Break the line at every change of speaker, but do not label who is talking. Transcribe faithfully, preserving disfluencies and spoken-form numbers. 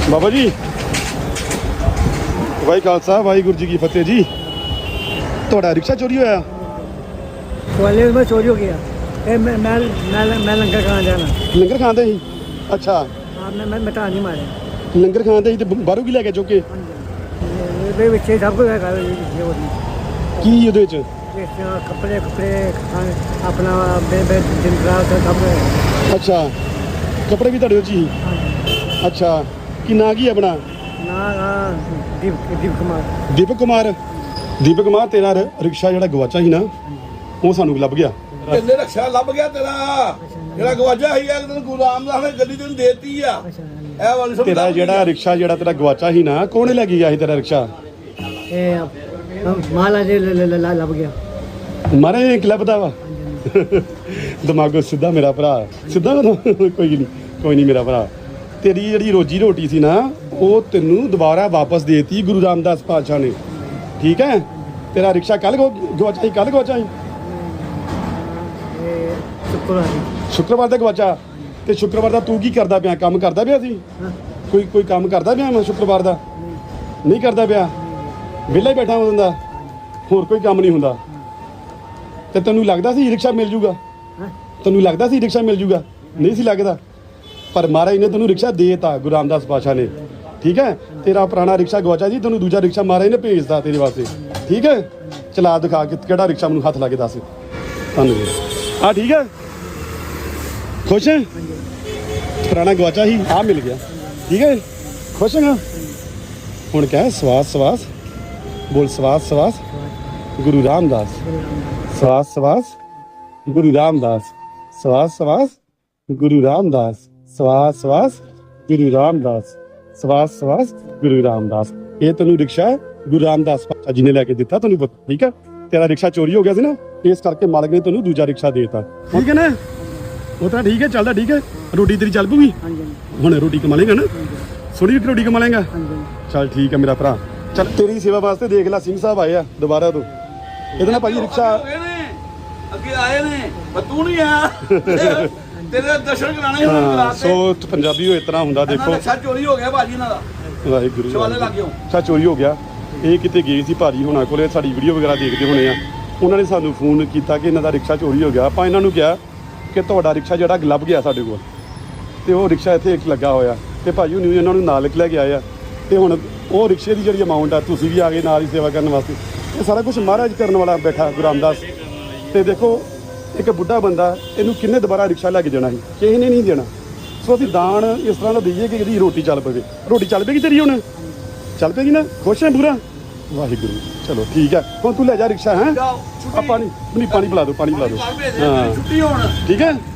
ਬਾਬਾ ਜੀ ਵਾਹਿ ਖਾਲਸਾ ਵਾਹਿਗੁਰੂ ਜੀ ਕੀ ਫਤਿਹ ਜੀ। ਤੁਹਾਡਾ ਰਿਕਸ਼ਾ ਚੋਰੀ ਹੋਇਆ?
ग्वालियर में चोरी हो गया। ए, मैं मैं मैं मैं लंगर खान जाना।
ਲੰਗਰ ਖਾਂਦੇ ਸੀ? ਅੱਛਾ
हाँ मैं मैं मिटा नहीं मारे।
ਲੰਗਰ ਖਾਂਦੇ ਸੀ ਤੇ ਬਾਹਰੋਂ ਕੀ ਲੈ ਕੇ ਚੁੱਕ ਕੇ?
ये बच्चे सब कुछ है ये वो
ਕੀ ਉਹਦੇ ਵਿੱਚ?
कपड़े कपड़े खाने अपना बे बे दिन रात सब कुछ।
ਅੱਛਾ ਕੱਪੜੇ ਵੀ ਤੁਹਾਡੇ ਵਿੱਚ ਹੀ? ਅੱਛਾ ਕੀ ਨਾਂ ਕੀ ਆਪਣਾ?
ना हाँ दीप दीप कुमार।
ਦੀਪਕ ਕੁਮਾਰ। ਦੀਪਕ ਕੁਮਾਰ ਤੇਰਾ ਰ- ਰਿਕਸ਼ਾ ਜਿਹੜਾ ਗਵਾਚਾ ਸੀ ਨਾ ਉਹ ਸਾਨੂੰ ਲੱਭ ਗਿਆ।
ਤੇਰੇ ਰਕਸ਼ਾ ਲੱਭ ਗਿਆ ਤੇਰਾ ਜਿਹੜਾ ਗਵਾਜਾ ਸੀ ਇੱਕ ਦਿਨ ਗੁਰੂ ਰਾਮਦਾਸ ਨੇ ਗੱਡੀ ਤੈਨੂੰ ਦੇਤੀ ਆ ਇਹ ਵਾਲੀ ਸਮਝ
ਤੇਰਾ ਜਿਹੜਾ ਰਿਕਸ਼ਾ ਜਿਹੜਾ ਤੇਰਾ ਗਵਾਚਾ ਸੀ ਨਾ ਕੌਣ ਲੈ ਕੇ ਗਿਆ ਸੀ ਤੇਰਾ ਰਿਕਸ਼ਾ?
ए माला जे लब गया।
ਮਾਰੇ ਕਲੱਬ ਦਾ ਵਾ ਦਿਮਾਗੋ ਸਿੱਧਾ ਮੇਰਾ ਭਰਾ ਸਿੱਧਾ ਵਾ। ਕੋਈ ਨਹੀਂ ਕੋਈ ਨਹੀਂ ਮੇਰਾ ਭਰਾ। ਤੇਰੀ ਜਿਹੜੀ ਰੋਜੀ ਰੋਟੀ ਸੀ ਨਾ ਉਹ ਤੈਨੂੰ ਦੁਬਾਰਾ ਵਾਪਸ ਦੇਤੀ ਗੁਰੂ ਰਾਮਦਾਸ ਪਾਤਸ਼ਾਹ ਨੇ। ਠੀਕ ਹੈ ਤੇਰਾ ਰਿਕਸ਼ਾ ਕੱਲ ਗਵਾਚਾ ਸੀ? ਕੱਲ ਗਵਾਚਾ ਸੀ?
शुक्रवार।
ਸ਼ੁੱਕਰਵਾਰ ਦਾ ਗਵਾਚਾ। ਤੇ ਸ਼ੁੱਕਰਵਾਰ ਦਾ ਤੂੰ ਕੀ ਕਰਦਾ ਪਿਆ? ਕੰਮ ਕਰਦਾ ਪਿਆ ਸੀ? ਕੋਈ ਕੋਈ ਕੰਮ ਕਰਦਾ ਪਿਆ ਮੈਂ ਸ਼ੁੱਕਰਵਾਰ ਦਾ? ਨਹੀਂ ਕਰਦਾ ਪਿਆ, ਵਿਹਲਾ ਹੀ ਬੈਠਾ ਹੁੰਦਾ, ਹੋਰ ਕੋਈ ਕੰਮ ਨਹੀਂ ਹੁੰਦਾ। ਤੇ ਤੈਨੂੰ ਲੱਗਦਾ ਸੀ ਰਿਕਸ਼ਾ ਮਿਲ ਜੂਗਾ? ਤੈਨੂੰ ਲੱਗਦਾ ਸੀ ਰਿਕਸ਼ਾ ਮਿਲ ਜੂਗਾ? ਨਹੀਂ ਸੀ ਲੱਗਦਾ। ਪਰ ਮਹਾਰਾਜ ਨੇ ਤੈਨੂੰ ਰਿਕਸ਼ਾ ਦੇਤਾ ਗੁਰੂ ਰਾਮਦਾਸ ਪਾਤਸ਼ਾਹ ਨੇ। ਠੀਕ ਹੈ ਤੇਰਾ ਪੁਰਾਣਾ ਰਿਕਸ਼ਾ ਗਵਾਚਾ ਜੀ, ਤੈਨੂੰ ਦੂਜਾ ਰਿਕਸ਼ਾ ਮਹਾਰਾਜ ਨੇ ਭੇਜਦਾ ਤੇਰੇ ਵਾਸਤੇ। ਠੀਕ ਹੈ ਚਲਾ ਦਿਖਾ ਕਿ ਕਿਹੜਾ ਰਿਕਸ਼ਾ ਮੈਨੂੰ ਹੱਥ ਲਾ ਕੇ ਦੱਸ। ਧੰਨਵਾਦ। ਆ ਠੀਕ ਹੈ ਖੁਸ਼ ਹੈ? ਪੁਰਾਣਾ ਗਵਾਚਾ ਸੀ ਆ ਮਿਲ ਗਿਆ। ਠੀਕ ਹੈ ਖੁਸ਼ ਹੈਗਾ? ਹੁਣ ਕਹਿ ਸਵਾਸ ਸਵਾਸ ਬੋਲ ਸਵਾਸ ਸਵਾਸ ਗੁਰੂ ਰਾਮਦਾਸ। ਸਵਾਸ ਸਵਾਸ ਗੁਰੂ ਰਾਮਦਾਸ। ਸਵਾਸ ਸਵਾਸ ਗੁਰੂ ਰਾਮਦਾਸ। ਸਵਾਸ ਸਵਾਸ ਗੁਰੂ ਰਾਮਦਾਸ। ਸਵਾਸ ਸਵਾਸ ਗੁਰੂ ਰਾਮਦਾਸ। ਇਹ ਤੈਨੂੰ ਰਿਕਸ਼ਾ ਗੁਰੂ ਰਾਮਦਾਸ ਪਾਤਸ਼ਾਹ ਜੀ ਨੇ ਲੈ ਕੇ ਦਿੱਤਾ ਤੈਨੂੰ ਪਤਾ। ਠੀਕ ਹੈ ਤੇਰਾ ਰਿਕਸ਼ਾ ਚੋਰੀ ਹੋ ਗਿਆ ਸੀ ਨਾ ਇਸ ਕਰਕੇ ਮਾਲਕ ਨੇ ਤੈਨੂੰ ਦੂਜਾ ਰਿਕਸ਼ਾ ਦੇਤਾ। ਠੀਕ ਹੈ ਨਾ ਉਹ ਤਾਂ ਠੀਕ ਹੈ ਚੱਲਦਾ। ਠੀਕ ਹੈ ਰੋਟੀ ਤੇਰੀ ਚੱਲ ਪੂਗੀ ਹੁਣ? ਰੋਟੀ ਕਮਾ ਲੇਗਾ ਨਾ? ਸੋਹਣੀ ਰੋਟੀ ਕਮਾ ਲੇਗਾ? ਚੱਲ ਠੀਕ ਹੈ ਮੇਰਾ ਭਰਾ। ਚੱਲ ਤੇਰੀ ਸੇਵਾ ਵਾਸਤੇ ਦੇਖ ਲੈ ਸਿੰਘ ਸਾਹਿਬ ਆਏ ਆ ਦੁਬਾਰਾ ਤੋਂ। ਇਹਦੇ ਨਾਲ ਭਾਈ ਰਿਕਸ਼ਾ
ਅੱਗੇ ਆਏ ਨੇ ਪਰ ਤੂੰ ਨਹੀਂ ਆਇਆ ਤੇਰੇ ਦਰਸ਼ਨ ਕਰਾਣੇ ਹੁਣ
ਹਾਂ
ਕਰਾਤੇ।
ਸੋ ਪੰਜਾਬੀ ਉਹ ਇਸ ਤਰ੍ਹਾਂ ਹੁੰਦਾ ਦੇਖੋ।
ਰਕਸ਼ਾ ਚੋਰੀ ਹੋ ਗਿਆ ਭਾਜੀ ਇਹਨਾਂ ਦਾ
ਵਾਹਿਗੁਰੂ
ਸ਼ਿਵਾਲੇ ਲੱਗ ਗਿਓ।
ਅੱਛਾ ਚੋਰੀ ਹੋ ਗਿਆ। ਇਹ ਕਿਤੇ ਗਏ ਸੀ ਭਾਜੀ ਹੁਣਾਂ ਕੋਲੇ, ਸਾਡੀ ਵੀਡੀਓ ਵਗੈਰਾ ਦੇਖਦੇ ਹੋਣੇ ਆ। ਉਹਨਾਂ ਨੇ ਸਾਨੂੰ ਫੋਨ ਕੀਤਾ ਕਿ ਇਹਨਾਂ ਦਾ ਰਿਕਸ਼ਾ ਚੋਰੀ ਹੋ ਗਿਆ। ਆਪਾਂ ਇਹਨਾਂ ਨੂੰ ਕਿਹਾ ਕਿ ਤੁਹਾਡਾ ਰਿਕਸ਼ਾ ਜਿਹੜਾ ਲੱਭ ਗਿਆ ਸਾਡੇ ਕੋਲ ਤੇ ਉਹ ਰਿਕਸ਼ਾ ਇੱਥੇ ਇੱਕ ਲੱਗਾ ਹੋਇਆ ਤੇ ਭਾਜੀ ਹੁਣੀ ਇਹਨਾਂ ਨੂੰ ਨਾਲ ਲੈ ਕੇ ਆਏ ਆ। ਤੇ ਹੁਣ ਉਹ ਰਿਕਸ਼ੇ ਦੀ ਜਿਹੜੀ ਅਮਾਊਂਟ ਆ ਤੁਸੀਂ ਵੀ ਆ ਗਏ ਨਾਲ ਹੀ ਸੇਵਾ ਕਰਨ ਵਾਸਤੇ। ਇਹ ਸਾਰਾ ਕੁਝ ਮਹਾਰਾਜ ਕਰਨ ਵਾਲਾ ਬੈਠਾ ਗੁਰੂ ਰਾਮਦਾਸ। ਤੇ ਦੇਖੋ ਇੱਕ ਬੁੱਢਾ ਬੰਦਾ ਇਹਨੂੰ ਕਿੰਨੇ ਦੁਬਾਰਾ ਰਿਕਸ਼ਾ ਲੈ ਕੇ ਜਾਣਾ ਸੀ? ਕਿਸੇ ਨੇ ਨਹੀਂ ਦੇਣਾ। ਸੋ ਅਸੀਂ ਦਾਨ ਇਸ ਤਰ੍ਹਾਂ ਦਾ ਦਈਏ ਕਿ ਇਹਦੀ ਰੋਟੀ ਚੱਲ ਪਵੇ। ਰੋਟੀ ਚੱਲ ਪਏਗੀ ਤੇਰੀ ਹੁਣ? ਚੱਲ ਪਏਗੀ ਨਾ? ਖੁਸ਼ ਹੈ ਪੂਰਾ? ਵਾਹਿਗੁਰੂ ਚਲੋ ਠੀਕ ਹੈ ਹੁਣ ਤੂੰ ਲੈ ਜਾ ਰਿਕਸ਼ਾ। ਹੈ ਆ ਪਾਣੀ ਨਹੀਂ ਪਾਣੀ ਪਿਲਾ ਦਿਓ ਪਾਣੀ ਪਿਲਾ ਦਿਓ। ਹਾਂ
ਛੁੱਟੀ ਹੋਣ
ਠੀਕ ਹੈ।